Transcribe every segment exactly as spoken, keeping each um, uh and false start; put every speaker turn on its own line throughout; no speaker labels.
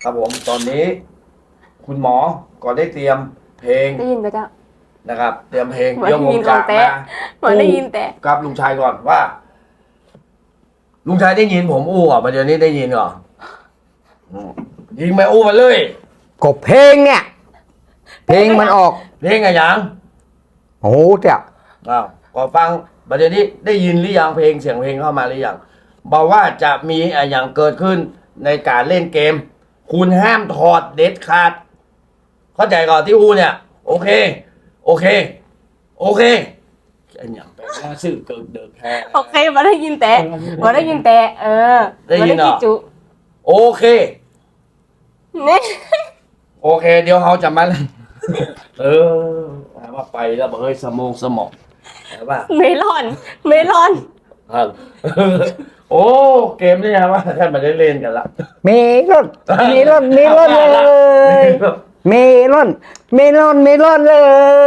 ครับผมตอนนี้ คุณหมอก็ได้เตรียมเพลง
ได้ยินไปจ้ะ
นะครับ เตรียมเพลง
เหมือน
เดี๋ยวผม
ได้ยิน
จะ
ของแต๊ะ
มา
เหมือนได้ยินแต่
กับลุงชายก่อนว่า ลุงชายได้ยินผมอู้อ่ะประเดี๋ยวนี้ได้ยินก่อนอืมยิงไปอู้มาเลย
กบเพลงเนี่ย เพลงมันออก
เพลงอะไรยัง
โอ้โหเจ้า
อ้าวก็ฟังประเดี๋ยวนี้ได้ยินหรือยังเพลงเสียงเพลงเข้ามาหรือยังบอกว่าจะมีอะไรอย่างเกิดขึ้นในการเล่นเกม คุณห้ามถอดเด็ดขาดเข้าใจก่อนที่อู้เนี่ย โอเค โอเค โอเคไอ้เนี่ยไปหน้าซื่อเกินเดินแค่
โอเคมาได้ยินแต่มาได้ยินแต่เออ
ได้ยินเหรอ
มาจุ
โอเค
เนี่ย
โอเค เดี๋ยวเขาจะมา เออว่าไปแล้วบอกเฮ้ยสมองสมองแต่ว่า
เมลอน เมลอน
ครับ โอ้เกมนี่นะว่าท่านมาได้เล่นกันละ
เมลอนเมลอนเมลอนเลยเมลอนเมลอนเมลอนเลย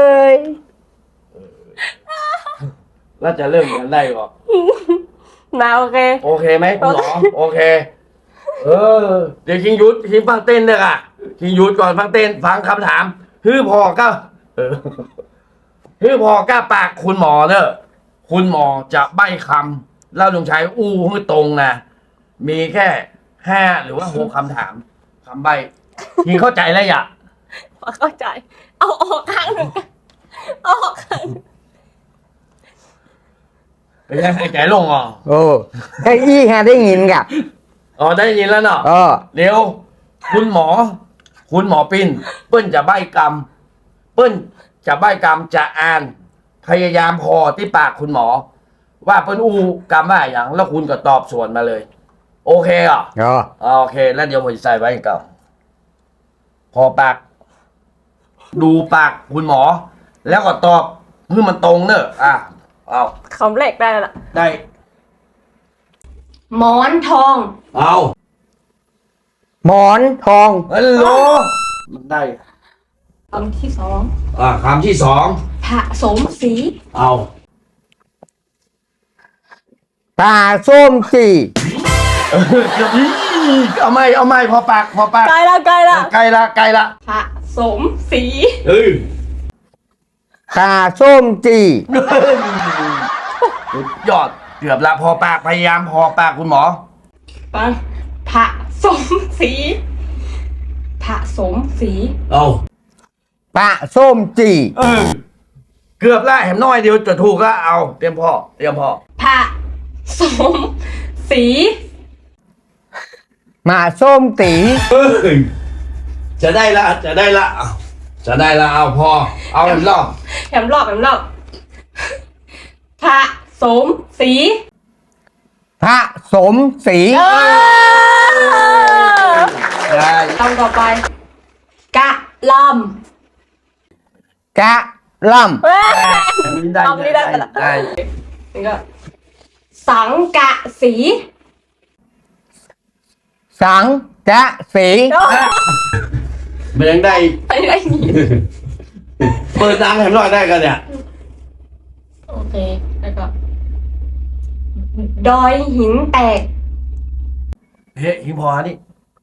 แล้วจะเริ่มกันได้ก่อน
มาโอเค
โอเคไหมคุณหมอโอเค เออ เดี๋ยวคิงยุทธคิงฟังเต้นด้วยอ่ะคิงยุทธก่อนฟังเต้นฟังคำถามฮือพอก็เออฮือพอก้าปากคุณหมอเนอะคุณหมอจะใบ้คำแล้วลุงชัยอู้ให้ตรงนะมีแค่ห้าหรือว่าหกคำถามคำใบ้คิงเข้าใจแล้วอย่า
เข้าใจ เอาออกข้างหนึ่งเอาออกข้างหนึ่ง
เป็นไงหายใจลงอ่ะ
โอ้ไอ้อี้ฮะได้ยินกะ
อ๋อได้ยินแล้วเนาะ
เออ
เร็วคุณหมอ คุณหมอปิ่นเปิ้นจะใบ้กรรม เปิ้นจะใบ้กรรมจะอ่าน พยายามพอที่ปากคุณหมอ ว่าเปิ้นอู้กรรมว่าอย่างแล้วคุณก็ตอบสวนมาเลย โอเคเหรอ่ะ
เออ
โอเค แล้วเดี๋ยวผมจะใส่ไว้ก่อนพอปาก ดูปากคุณหมอ แล้วก็ตอบเพื่อมันตรงเนอะอ่ะเอา
คำแรกได้แล้วล่ะ
ได้
หมอนทอง
เอา
หมอนทอง
ฮัลโหลมันได้
คำที่สอง
อ่าคำที่สอง
ผสมสี
เอา
ตาส้มจี
เออเดี๋ยวนี้เอาไม่เอาไม่พอปากพอปาก
ใกล้ละใกล้ละ
ใกล้ละใกล้ละ
ผสมสี
เฮ้ย
ตาส้มจี
สุดยอดเกือบละพอปากพยายามพอปากคุณหมอ
ปังผสมสีผสมสี
เอา
ปะส้มจี
เออเกือบละแหมน้อยเดียวจะถูกละเอาเตรียมพ่อเตรียมพ่อ
ผสมสี
มาส้มตี
เอ้ยจะได้ละจะได้ละเอาจะได้ละเอาพอเอาอีกรอบ
แถมรอบแถมรอบผสมสี
พระสมศรี
เออ
ได้
คำต่อไป กะล
กะล
ำเว้ย
อันนี้ได้
เอาไม่ได้
ได้ได้
นี่ก็สังกะสี
ำสังกะสี
โอ้ย
มันยังได้
ไม่ได้ยิน
เปิดดังแหมน้อยได้กันเนี่ย
โอเค แล้วก็ ดอยหินแตก
เฮ้ยหิงพอนี่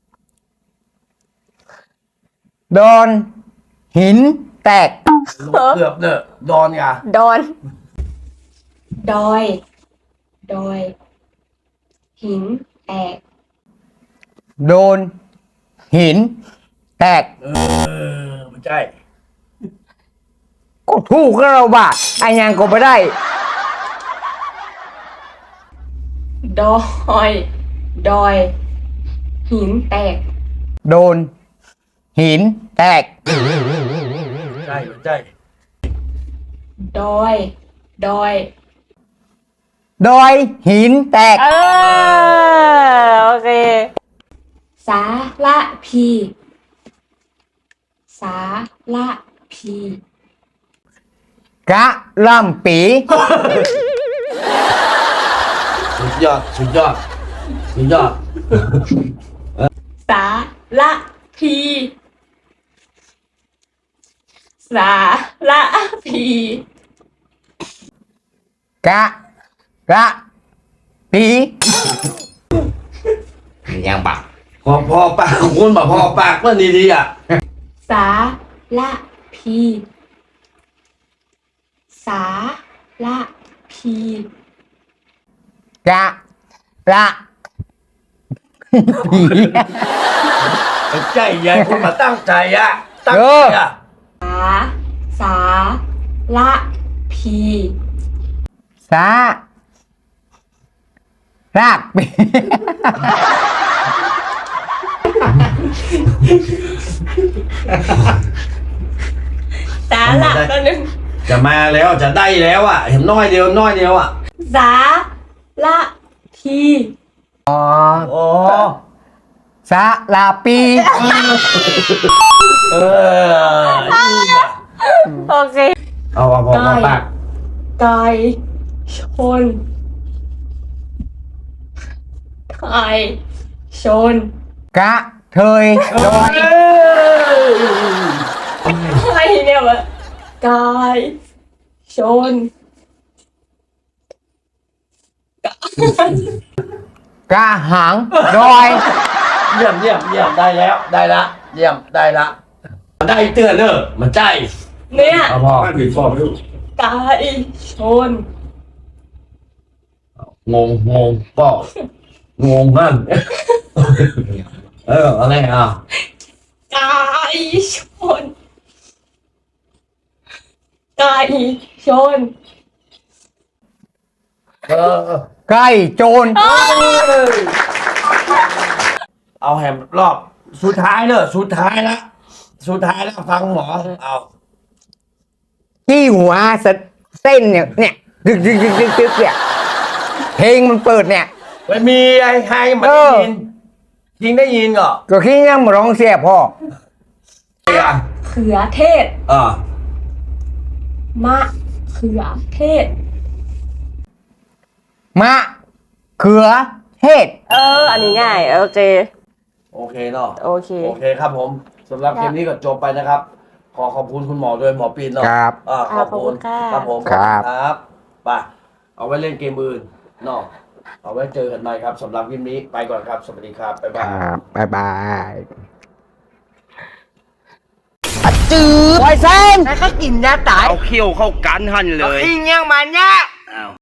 โดนหินแตก
เกือบเนอะดอนไง
ดอน ดอย ดอย หินแตก
โดนหินแตก
เออไม่ใช่
ก็ถูกแล้วเราบ้าไอ้ยังก็ไม่ได้
ดอย ดอย หินแตก
โดนหินแตก
ใช่ไม่ใช่
ดอย ดอย
ดอยหินแตก
เออ โอเค สาละพี สาละพี
กะลำปี
สุดยอดสุดยอดสุดยอด
สาละพี สาละพี
กะกะปี
ยังบักพอพอปากของคุณบอกพอปากเพื่อนดีๆอ่ะ
สาละพีสาละพี
กะละผี
ใจใหญ่คุณมาตั้งใจอ่ะตั้ง
เอ
ใจ
อ
อ่ะ
สาสาละพี
สา รากปี
สาละตัวหนึ่ง
จะมาแล้วจะได้แล้วอ่ะ เห็นน้อยเดียวน้อยเดียวอ่ะ
สาละพี
อ๋อ
โอ้
สาลาปี
เออนี่อ่ะ
โอเค
เอาพอพอพอปาก
ไก่ชนไก่ชน
กะเทยดอย
อะไรเนี่ยวะไก่ชน
กะหังดอย
เยี่ยมเยี่ยมเยี่ยมได้แล้วได้ละเยี่ยมได้ละได้เตือนเนอะมันใจ
เนี่ย
เอาพอผิดพอไม่รู้
ไก่ชน
งงงงก็งงนั่น เอออะไรอ่ะ
ไก่ชนไก่ชน
เออ
ไก่โจร
เอาแฮมรอบสุดท้ายเนอะสุดท้ายละสุดท้ายแล้วฟังหมอเอา
ที่หัวสะเส้นเนี่ยเนี่ยดึกดึกดึกดึกดึกเนี่ยเพลงมันเปิดเนี่ย
ไม่มีไอ้ไฮมัน
เอ
ได้
อ
ยินยิงได้ยินก่อ
ก็คิดยังมาร้องเสียพ่อ
ไอ้อ่ะ
เขือเทศ
อ่าม
ะเขือเทศ
มะเขือเทศ
เออ อันนี้ง่าย โอเค
โอเคเนาะ
โอเค
โอเคครับผมสำหรับเกมนี้ก็จบไปนะครับ ขอขอบคุณคุณหมอด้วยหมอปีนเนาะ
ครับ
อ่าขอบคุณ
ขอบคุณค่ะ
ครับผม
ครับ
ครับไปเอาไว้เล่นเกมอื่นเนาะเอาไว้เจอกันใหม่ครับสำหรับคลิปนี้ไปก่อนครับสวัสดีครับบ๊าย
ค
บาย
รับบ๊ายบายจืดไวเซนแล้วก็กินยาตาย
เอาเขี้ยวเข้ากันหันเลย
กินยังมันเนี่ย